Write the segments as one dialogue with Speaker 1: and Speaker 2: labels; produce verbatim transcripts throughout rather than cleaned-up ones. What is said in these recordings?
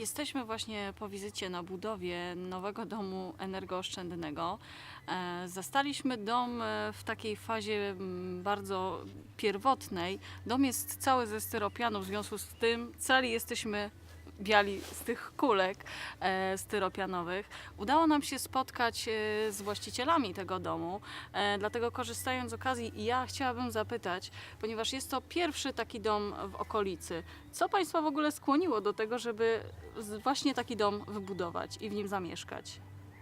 Speaker 1: Jesteśmy właśnie po wizycie na budowie nowego domu energooszczędnego. E, Zastaliśmy dom e, w takiej fazie mm, bardzo pierwotnej. Dom jest cały ze styropianu, w związku z tym cali jesteśmy biali z tych kulek e, styropianowych. Udało nam się spotkać e, z właścicielami tego domu, e, dlatego korzystając z okazji ja chciałabym zapytać, ponieważ jest to pierwszy taki dom w okolicy, co Państwa w ogóle skłoniło do tego, żeby z- właśnie taki dom wybudować i w nim zamieszkać?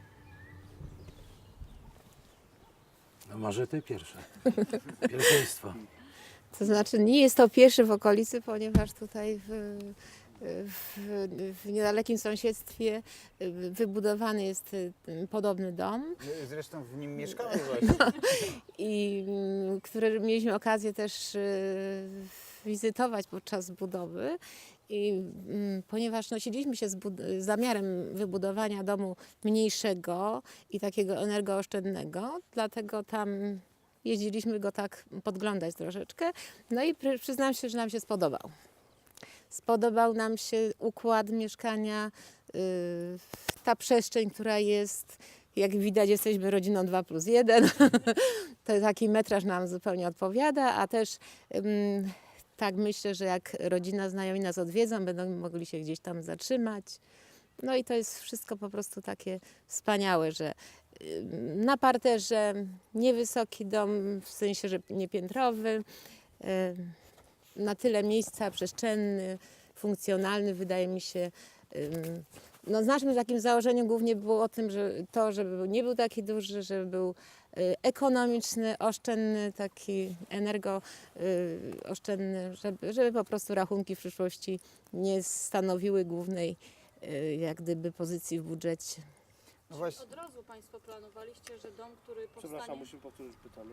Speaker 2: No może ty pierwsze. Pierwszeństwo.
Speaker 3: To znaczy nie jest to pierwszy w okolicy, ponieważ tutaj w, w, w niedalekim sąsiedztwie wybudowany jest podobny dom,
Speaker 4: My zresztą w nim mieszkamy właśnie.
Speaker 3: i mm, który mieliśmy okazję też e, wizytować podczas budowy. I mm, ponieważ nosiliśmy się z bud- z zamiarem wybudowania domu mniejszego i takiego energooszczędnego, dlatego tam jeździliśmy go tak podglądać troszeczkę. No i przy- przyznam się, że nam się spodobał. Spodobał nam się układ mieszkania, yy, ta przestrzeń, która jest. Jak widać, jesteśmy rodziną dwa plus jeden. To taki metraż nam zupełnie odpowiada, a też ym, tak myślę, że jak rodzina, znajomi nas odwiedzą, będą mogli się gdzieś tam zatrzymać. No i to jest wszystko po prostu takie wspaniałe, że ym, na parterze niewysoki dom, w sensie, że niepiętrowy, ym, na tyle miejsca, przestrzenny, funkcjonalny, wydaje mi się. ym, No, z naszym takim założeniem głównie było o tym, że to, żeby był- nie był taki duży, żeby był y, ekonomiczny, oszczędny, taki energooszczędny, żeby, żeby po prostu rachunki w przyszłości nie stanowiły głównej y, jak gdyby pozycji w budżecie.
Speaker 4: No właśnie,
Speaker 1: Od razu Państwo planowaliście, że dom, który
Speaker 5: Przepraszam, musimy powtórzyć pytanie.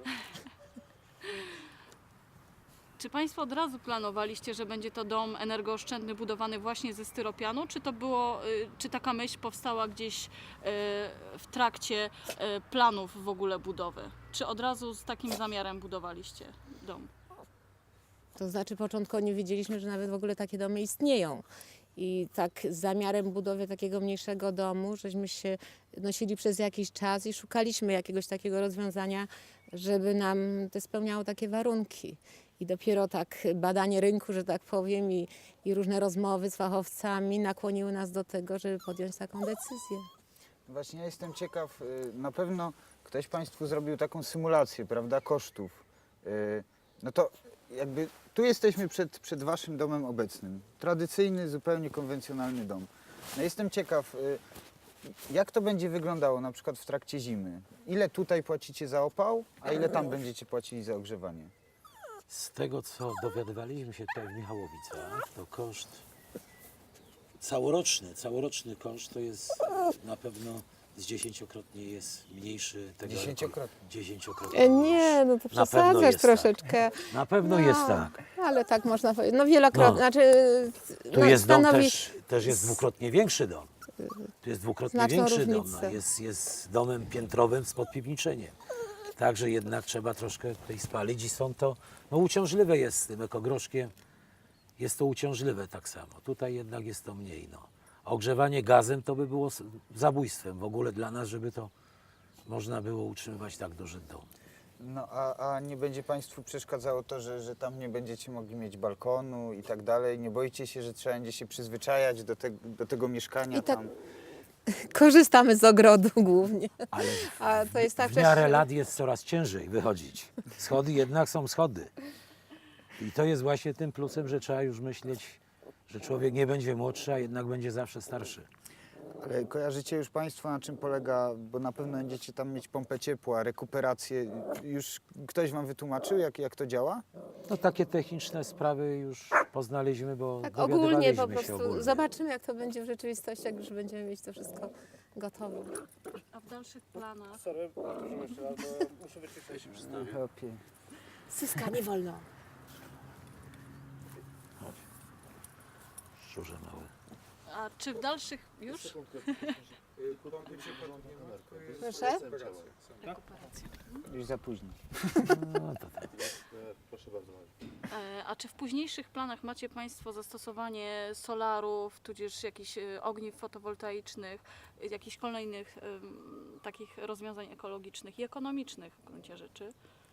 Speaker 1: Czy Państwo od razu planowaliście, że będzie to dom energooszczędny budowany właśnie ze styropianu, czy to było, y, czy taka myśl powstała gdzieś y, w trakcie y, planów w ogóle budowy? Czy od razu z takim zamiarem budowaliście dom?
Speaker 3: To znaczy początkowo nie wiedzieliśmy, że nawet w ogóle takie domy istnieją. I tak z zamiarem budowy takiego mniejszego domu, żeśmy się nosili przez jakiś czas i szukaliśmy jakiegoś takiego rozwiązania, żeby nam to spełniało takie warunki. I dopiero tak badanie rynku, że tak powiem, i, i różne rozmowy z fachowcami nakłoniły nas do tego, żeby podjąć taką decyzję.
Speaker 4: właśnie ja jestem ciekaw, y, na pewno ktoś Państwu zrobił taką symulację, prawda, kosztów. Y, No to jakby tu jesteśmy przed, przed Waszym domem obecnym. Tradycyjny, zupełnie konwencjonalny dom. No jestem ciekaw, y, jak to będzie wyglądało na przykład w trakcie zimy? Ile tutaj płacicie za opał, a ile tam będziecie płacili za ogrzewanie?
Speaker 2: Z tego, co dowiadywaliśmy się tutaj w Michałowicach, to koszt całoroczny, całoroczny koszt to jest na pewno z dziesięciokrotnie jest mniejszy tego.
Speaker 4: Dziesięciokrotnie.
Speaker 2: Dziesięciokrotnie
Speaker 3: E,
Speaker 2: mniejszy.
Speaker 3: nie, no to
Speaker 2: Na pewno
Speaker 3: przesadzasz
Speaker 2: jest
Speaker 3: troszeczkę.
Speaker 2: Tak. Na pewno
Speaker 3: No,
Speaker 2: jest tak.
Speaker 3: Ale tak można powiedzieć. No wielokrotnie,
Speaker 2: No.
Speaker 3: znaczy
Speaker 2: Tu
Speaker 3: no,
Speaker 2: jest dom
Speaker 3: stanowi
Speaker 2: też, też jest dwukrotnie większy dom. Tu jest dwukrotnie
Speaker 3: Znaczną
Speaker 2: większy dom.
Speaker 3: różnicę.
Speaker 2: No, jest, jest domem piętrowym z podpiwniczeniem. Także jednak trzeba troszkę tutaj spalić i są to, no uciążliwe jest z tym ekogroszkiem. Jest to uciążliwe tak samo. Tutaj jednak jest to mniej. No. Ogrzewanie gazem to by było s- zabójstwem w ogóle dla nas, żeby to można było utrzymywać tak duży dom.
Speaker 4: No a, a nie będzie Państwu przeszkadzało to, że, że tam nie będziecie mogli mieć balkonu i tak dalej? Nie boicie się, że trzeba będzie się przyzwyczajać do, te, do tego mieszkania
Speaker 3: I tak-
Speaker 4: tam?
Speaker 3: korzystamy z ogrodu głównie.
Speaker 2: Ale
Speaker 3: A to jest tak
Speaker 2: w miarę
Speaker 3: przecież-
Speaker 2: lat jest coraz ciężej wychodzić. Schody jednak są schody. I to jest właśnie tym plusem, że trzeba już myśleć, że człowiek nie będzie młodszy, a jednak będzie zawsze starszy.
Speaker 4: Ale kojarzycie już Państwo, na czym polega, bo na pewno będziecie tam mieć pompę ciepła, rekuperację. Już ktoś Wam wytłumaczył, jak, jak to działa?
Speaker 2: No takie techniczne sprawy już poznaliśmy, bo
Speaker 3: Tak ogólnie po
Speaker 2: dowiadywaliśmy się
Speaker 3: prostu
Speaker 2: ogólnie.
Speaker 3: zobaczymy, jak to będzie w rzeczywistości, jak już będziemy mieć to wszystko gotowe.
Speaker 1: A w dalszych planach?
Speaker 5: Sorry, powtórzymy jeszcze raz, bo muszę wyciszyć się przedstawić.
Speaker 4: Okej.
Speaker 3: Syska, nie wolno.
Speaker 2: Szczurze małe.
Speaker 1: A czy w dalszych już?
Speaker 3: Proszę?
Speaker 1: Rekuperacja.
Speaker 4: Już za późno.
Speaker 2: No to tak.
Speaker 5: Proszę bardzo.
Speaker 1: E, A czy w późniejszych planach macie Państwo zastosowanie solarów, tudzież jakichś e, ogniw fotowoltaicznych, e, jakichś kolejnych em, takich rozwiązań ekologicznych i ekonomicznych w gruncie rzeczy?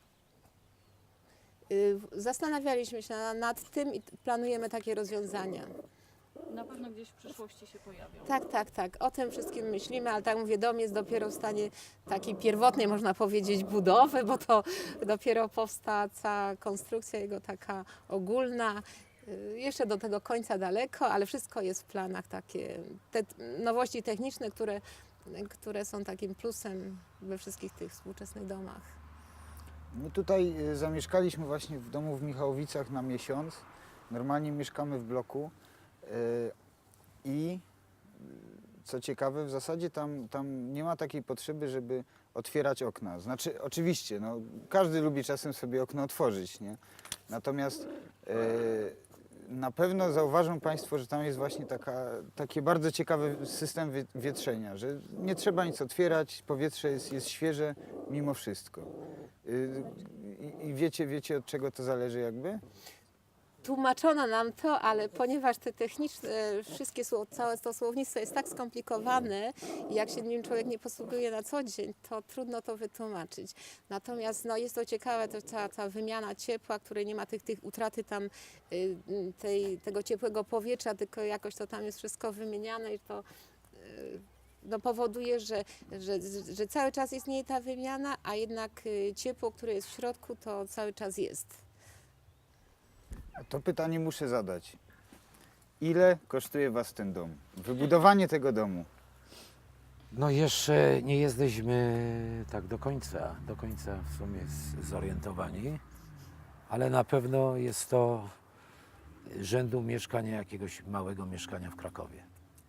Speaker 3: Y, Zastanawialiśmy się na- nad tym i t- planujemy takie rozwiązania.
Speaker 1: Na pewno gdzieś w przyszłości się pojawią.
Speaker 3: Tak, tak, tak. O tym wszystkim myślimy, ale tak mówię, dom jest dopiero w stanie takiej pierwotnej, można powiedzieć, budowy, bo to dopiero powstała cała konstrukcja jego taka ogólna. Y, Jeszcze do tego końca daleko, ale wszystko jest w planach takie, te t- nowości techniczne, które, które są takim plusem we wszystkich tych współczesnych domach.
Speaker 4: My tutaj y, zamieszkaliśmy właśnie w domu w Michałowicach na miesiąc. Normalnie mieszkamy w bloku y, i y, co ciekawe, w zasadzie tam, tam nie ma takiej potrzeby, żeby otwierać okna. Znaczy, oczywiście, no, każdy lubi czasem sobie okno otworzyć, nie? Natomiast y, na pewno zauważą Państwo, że tam jest właśnie taka, taki bardzo ciekawy system wi- wietrzenia, że nie trzeba nic otwierać, powietrze jest, jest świeże mimo wszystko. Y, I i wiecie, wiecie od czego to zależy jakby?
Speaker 3: Tłumaczono nam to, ale ponieważ te techniczne, wszystkie słow, całe to słownictwo jest tak skomplikowane i jak się nim człowiek nie posługuje na co dzień, to trudno to wytłumaczyć. Natomiast no, jest to ciekawe, to ta, ta wymiana ciepła, której nie ma tych, tych utraty tam y, tej, tego ciepłego powietrza, tylko jakoś to tam jest wszystko wymieniane i to y, no, powoduje, że, że, że cały czas istnieje ta wymiana, a jednak y, ciepło, które jest w środku, to cały czas jest.
Speaker 4: To pytanie muszę zadać. Ile kosztuje Was ten dom? Wybudowanie tego domu.
Speaker 2: No jeszcze nie jesteśmy tak do końca, do końca w sumie z- zorientowani, ale na pewno jest to rzędu mieszkania, jakiegoś małego mieszkania w Krakowie.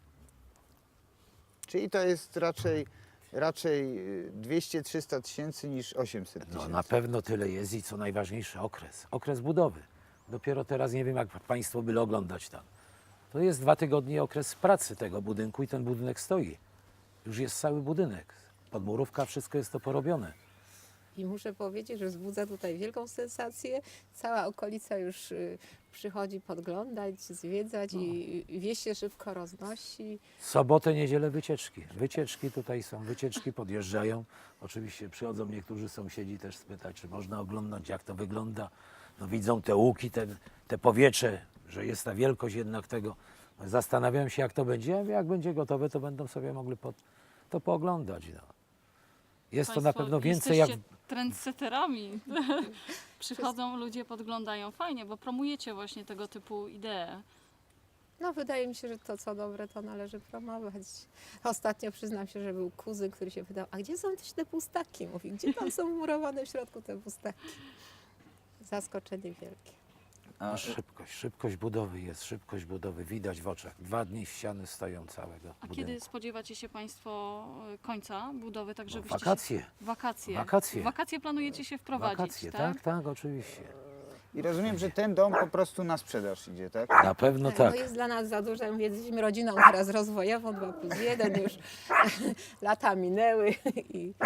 Speaker 4: Czyli to jest raczej, raczej y, dwieście trzysta tysięcy niż osiemset
Speaker 2: No
Speaker 4: tysięcy.
Speaker 2: na pewno tyle jest i co najważniejsze okres, okres budowy. Dopiero teraz nie wiem, jak Państwo byli oglądać tam. To jest dwa tygodnie okres pracy tego budynku i ten budynek stoi. Już jest cały budynek. Podmurówka, wszystko jest to porobione.
Speaker 3: I muszę powiedzieć, że wzbudza tutaj wielką sensację. Cała okolica już y, przychodzi podglądać, zwiedzać i, i wieść się szybko roznosi.
Speaker 2: Sobotę, niedzielę wycieczki. Wycieczki tutaj są, wycieczki podjeżdżają. Oczywiście przychodzą niektórzy sąsiedzi też spytać, czy można oglądać, jak to wygląda. No widzą te łuki, te, te powietrze, że jest ta wielkość jednak tego. Zastanawiam się, jak to będzie. Ja mówię, jak będzie gotowe, to będą sobie mogli pod, to pooglądać. No. Jest to na
Speaker 1: Państwo
Speaker 2: pewno więcej jak...
Speaker 1: jesteście trendsetterami. Przychodzą ludzie, podglądają. Fajnie, bo promujecie właśnie tego typu idee.
Speaker 3: No wydaje mi się, że to co dobre, to należy promować. Ostatnio przyznam się, że był kuzyn, który się pytał, a gdzie są te pustaki? Mówi, gdzie tam są murowane w środku te pustaki? Zaskoczenie wielkie.
Speaker 2: No, szybkość, szybkość budowy jest, szybkość budowy widać w oczach. Dwa dni ściany stoją całego
Speaker 1: A
Speaker 2: budynku.
Speaker 1: kiedy spodziewacie się Państwo e, końca budowy, tak
Speaker 2: No,
Speaker 1: żebyście
Speaker 2: wakacje,
Speaker 1: Się... Wakacje.
Speaker 2: Wakacje.
Speaker 1: W wakacje planujecie się wprowadzić,
Speaker 2: wakacje,
Speaker 1: tak?
Speaker 2: tak, tak, oczywiście.
Speaker 4: I rozumiem, że ten dom po prostu na sprzedaż idzie, tak?
Speaker 2: Na pewno
Speaker 3: Tak,
Speaker 2: tak.
Speaker 3: no jest dla nas za dużo. Mówię, jesteśmy rodziną teraz rozwojową, dwa plus jeden już lata minęły i,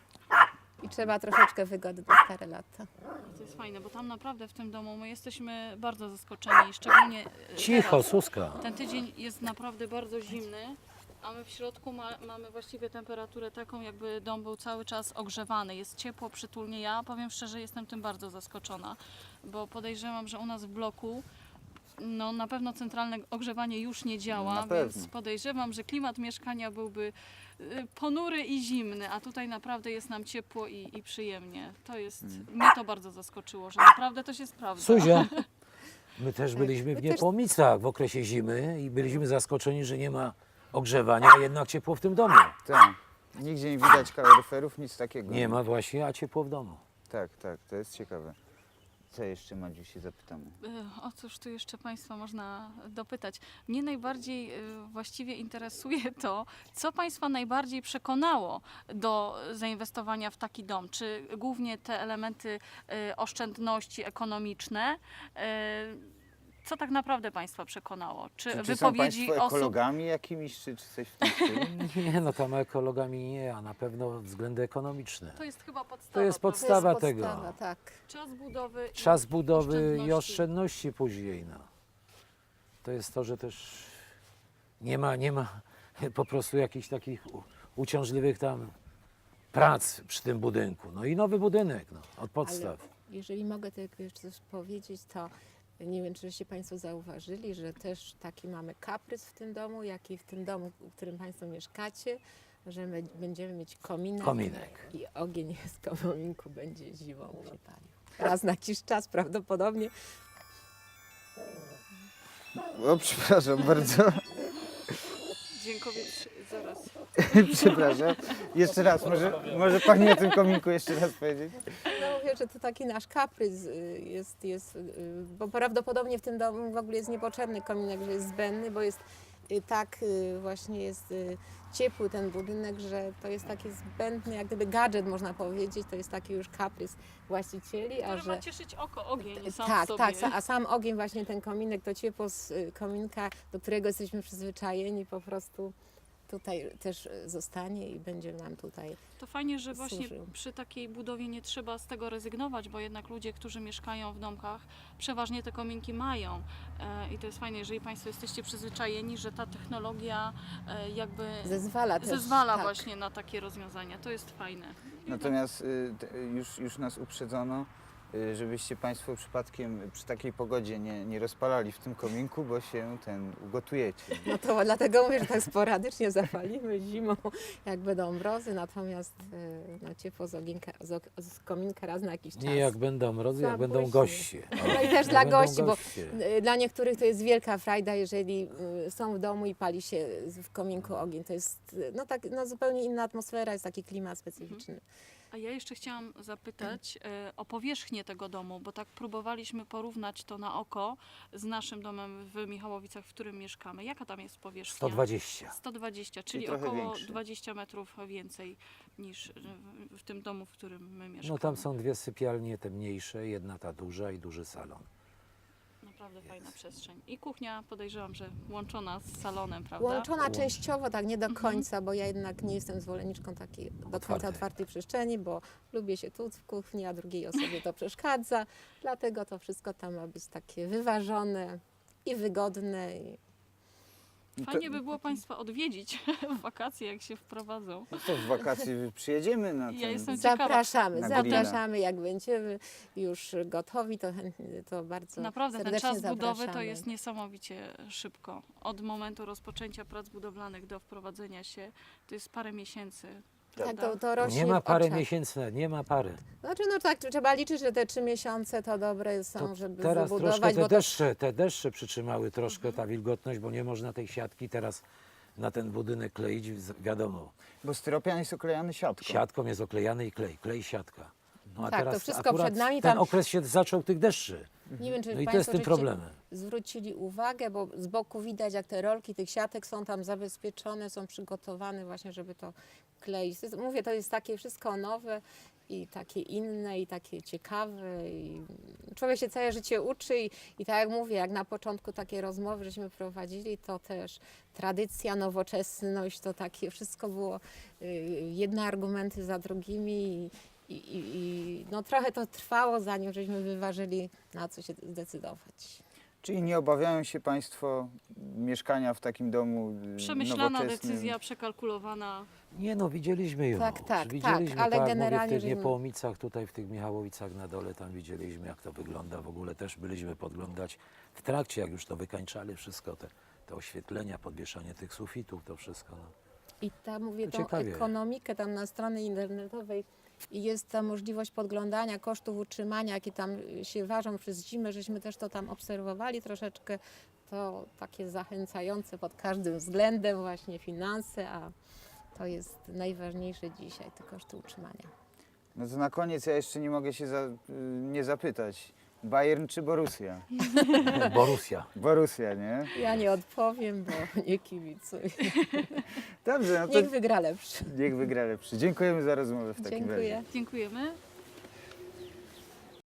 Speaker 3: i trzeba troszeczkę wygody na stare lata.
Speaker 1: To jest fajne, bo tam naprawdę w tym domu my jesteśmy bardzo zaskoczeni, szczególnie e,
Speaker 2: Cicho,
Speaker 1: teraz.
Speaker 2: Suska.
Speaker 1: Ten tydzień jest naprawdę bardzo zimny, a my w środku ma, mamy właściwie temperaturę taką, jakby dom był cały czas ogrzewany. Jest ciepło, przytulnie. Ja powiem szczerze, jestem tym bardzo zaskoczona, bo podejrzewam, że u nas w bloku no, na pewno centralne ogrzewanie już nie działa,
Speaker 4: Na
Speaker 1: więc
Speaker 4: pewno.
Speaker 1: podejrzewam, że klimat mieszkania byłby y, ponury i zimny, a tutaj naprawdę jest nam ciepło i, i przyjemnie. To jest, mnie to bardzo zaskoczyło, że naprawdę to się sprawdza.
Speaker 2: Suzia, my też byliśmy w
Speaker 3: My też-
Speaker 2: Niepomicach w okresie zimy i byliśmy zaskoczeni, że nie ma ogrzewania, a jednak ciepło w tym domu.
Speaker 4: Tak. Nigdzie nie widać kaloryferów, nic takiego.
Speaker 2: Nie ma właśnie, a ciepło w domu.
Speaker 4: Tak, tak, to jest ciekawe. Co jeszcze, Madziu, się zapytamy?
Speaker 1: E, O cóż tu jeszcze Państwa można dopytać? Mnie najbardziej e, właściwie interesuje to, co Państwa najbardziej przekonało do zainwestowania w taki dom. Czy głównie te elementy e, oszczędności ekonomiczne, e, Co tak naprawdę Państwa przekonało? Czy,
Speaker 4: Czy, czy są
Speaker 1: wypowiedzi
Speaker 4: Państwo
Speaker 1: osób...
Speaker 4: ekologami jakimiś, czy, czy coś w tym stylu?
Speaker 2: Nie, no tam ekologami nie, a na pewno względy ekonomiczne.
Speaker 1: To jest chyba podstawa.
Speaker 2: To jest
Speaker 1: prawda?
Speaker 2: podstawa
Speaker 3: to jest
Speaker 2: tego.
Speaker 3: podstawa, tak.
Speaker 1: Czas budowy i
Speaker 2: Czas budowy i
Speaker 1: oszczędności.
Speaker 2: oszczędności później. No. To jest to, że też nie ma, nie ma po prostu jakichś takich u- uciążliwych tam prac przy tym budynku. No i nowy budynek no, od podstaw.
Speaker 3: Ale jeżeli mogę tylko jeszcze coś powiedzieć, to nie wiem, czyście Państwo zauważyli, że też taki mamy kaprys w tym domu, jak i w tym domu, w którym Państwo mieszkacie, że my będziemy mieć kominek,
Speaker 2: Kominek.
Speaker 3: i ogień z kominku będzie zimą się palił. Raz na jakiś czas prawdopodobnie.
Speaker 4: O, przepraszam bardzo.
Speaker 1: Dziękuję. Zaraz.
Speaker 4: Przepraszam. Jeszcze raz, może, może Pani o tym kominku jeszcze raz powiedzieć?
Speaker 3: No mówię, że to taki nasz kaprys y, jest, jest y, bo prawdopodobnie w tym domu w ogóle jest niepotrzebny kominek, że jest zbędny, bo jest y, tak y, właśnie jest y, ciepły ten budynek, że to jest taki zbędny, jak gdyby gadżet można powiedzieć, to jest taki już kaprys właścicieli, a
Speaker 1: Który
Speaker 3: że...
Speaker 1: ma cieszyć oko, ogień sam
Speaker 3: Tak,
Speaker 1: w sobie.
Speaker 3: tak, a sam ogień, właśnie ten kominek, to ciepło z y, kominka, do którego jesteśmy przyzwyczajeni, po prostu tutaj też y, zostanie i będzie nam tutaj.
Speaker 1: To fajnie, że właśnie
Speaker 3: służył.
Speaker 1: przy takiej budowie nie trzeba z tego rezygnować, bo jednak ludzie, którzy mieszkają w domkach, przeważnie te kominki mają. E, I to jest fajnie, jeżeli Państwo jesteście przyzwyczajeni, że ta technologia e, jakby
Speaker 3: Zezwala też.
Speaker 1: zezwala
Speaker 3: tak.
Speaker 1: właśnie na takie rozwiązania. To jest fajne.
Speaker 4: Natomiast y, t- już, już nas uprzedzono, y, żebyście Państwo przypadkiem przy takiej pogodzie nie, nie rozpalali w tym kominku, bo się ten ugotujecie.
Speaker 3: No to dlatego mówię, że tak sporadycznie zapalimy zimą, jak będą mrozy, natomiast y, no, ciepło z, ogienka, z, ok- z kominka raz na jakiś czas.
Speaker 2: Nie jak będą mrozy, jak będą
Speaker 3: Zapuśćmy.
Speaker 2: goście.
Speaker 3: No i też
Speaker 2: Jak
Speaker 3: dla
Speaker 2: będą
Speaker 3: gości, bo
Speaker 2: goście.
Speaker 3: y, dla niektórych to jest wielka frajda, jeżeli y, są w domu i pali się w kominku ogień. To jest y, no, tak, no, zupełnie inna atmosfera, jest taki klimat specyficzny.
Speaker 1: A ja jeszcze chciałam zapytać e, o powierzchnię tego domu, bo tak próbowaliśmy porównać to na oko z naszym domem w Michałowicach, w którym mieszkamy. Jaka tam jest powierzchnia?
Speaker 2: sto dwadzieścia.
Speaker 1: sto dwadzieścia, czyli
Speaker 4: trochę
Speaker 1: około
Speaker 4: większy.
Speaker 1: dwadzieścia metrów więcej niż w- w tym domu, w którym my mieszkamy.
Speaker 2: No tam są dwie sypialnie, te mniejsze, jedna ta duża i duży salon.
Speaker 1: Naprawdę fajna przestrzeń. I kuchnia, podejrzewam, że łączona z salonem, prawda?
Speaker 3: Łączona
Speaker 2: Łącz.
Speaker 3: częściowo, tak nie do
Speaker 1: Mhm.
Speaker 3: końca, bo ja jednak nie jestem zwolenniczką takiej do końca
Speaker 2: Otwartej.
Speaker 3: otwartej przestrzeni, bo lubię się tu w kuchni, a drugiej osobie to przeszkadza. Dlatego to wszystko tam ma być takie wyważone i wygodne. I...
Speaker 4: No to,
Speaker 1: Fajnie by było Państwa odwiedzić w wakacje, jak się wprowadzą.
Speaker 4: no to w wakacje przyjedziemy na ten...
Speaker 1: Ja jestem ciekawa.
Speaker 3: Zapraszamy,
Speaker 4: Na
Speaker 3: zapraszamy, jak będziemy już gotowi, to chętnie, to bardzo
Speaker 1: Naprawdę ten
Speaker 3: serdecznie
Speaker 1: czas budowy to
Speaker 3: zapraszamy.
Speaker 1: jest niesamowicie szybko. Od momentu rozpoczęcia prac budowlanych do wprowadzenia się to jest parę miesięcy.
Speaker 3: Tak,
Speaker 1: prawda?
Speaker 3: to, to rośnie
Speaker 2: Nie ma
Speaker 3: w
Speaker 2: parę
Speaker 3: oczach.
Speaker 2: miesięcy, nie ma pary.
Speaker 3: Znaczy, no tak, trzeba liczyć, że te trzy miesiące to dobre są,
Speaker 2: To
Speaker 3: żeby
Speaker 2: teraz
Speaker 3: wybudować,
Speaker 2: troszkę
Speaker 3: bo
Speaker 2: te
Speaker 3: to
Speaker 2: deszcze, te deszcze przytrzymały troszkę ta wilgotność, bo nie można tej siatki teraz na ten budynek kleić, z- wiadomo.
Speaker 4: Bo styropian jest oklejany siatką.
Speaker 2: Siatką jest oklejany i klej, klej siatka. No a
Speaker 3: Tak, to
Speaker 2: teraz
Speaker 3: wszystko
Speaker 2: akurat
Speaker 3: przed nami,
Speaker 2: ten
Speaker 3: tam-
Speaker 2: okres się zaczął tych deszczy.
Speaker 3: nie wiem, czy
Speaker 2: No i to
Speaker 3: Państwo
Speaker 2: jest tym
Speaker 3: żeście
Speaker 2: problemem.
Speaker 3: zwrócili uwagę, bo z boku widać, jak te rolki tych siatek są tam zabezpieczone, są przygotowane właśnie, żeby to kleić. To jest, mówię, to jest takie wszystko nowe i takie inne i takie ciekawe. I człowiek się całe życie uczy i, i tak jak mówię, jak na początku takie rozmowy żeśmy prowadzili, to też tradycja, nowoczesność, to takie wszystko było y, jedne argumenty za drugimi. I, i, i, i no trochę to trwało, zanim żeśmy wyważyli, na co się zdecydować.
Speaker 4: Czyli nie obawiają się Państwo mieszkania w takim domu y,
Speaker 1: Przemyślana
Speaker 4: nowoczesnym?
Speaker 1: decyzja, przekalkulowana.
Speaker 2: Nie no, widzieliśmy ją.
Speaker 3: Tak, tak,
Speaker 2: widzieliśmy,
Speaker 3: tak, ale
Speaker 2: jak
Speaker 3: generalnie,
Speaker 2: mówię, w tych
Speaker 3: żeśmy-
Speaker 2: Niepołomicach, tutaj w tych Michałowicach na dole, tam widzieliśmy, jak to wygląda. W ogóle też byliśmy podglądać w trakcie, jak już to wykańczali wszystko, te, te oświetlenia, podwieszanie tych sufitów, to wszystko. No.
Speaker 3: I tam mówię,
Speaker 2: No
Speaker 3: tą
Speaker 2: ciekawie.
Speaker 3: ekonomikę tam na stronie internetowej i jest ta możliwość podglądania kosztów utrzymania, jakie tam y, się ważą przez zimę, żeśmy też to tam obserwowali troszeczkę. To takie zachęcające pod każdym względem właśnie finanse, a to jest najważniejsze dzisiaj, te koszty utrzymania.
Speaker 4: No to na koniec ja jeszcze nie mogę się za, y, nie zapytać. Bayern czy Borussia?
Speaker 2: Borussia.
Speaker 4: Borussia, nie?
Speaker 3: Ja nie odpowiem, bo nie kibicuję.
Speaker 4: Dobrze, no to
Speaker 3: Niech wygra lepszy.
Speaker 4: niech wygra lepszy. Dziękujemy za rozmowę w takim razie.
Speaker 3: Dziękuję.
Speaker 1: Dziękujemy.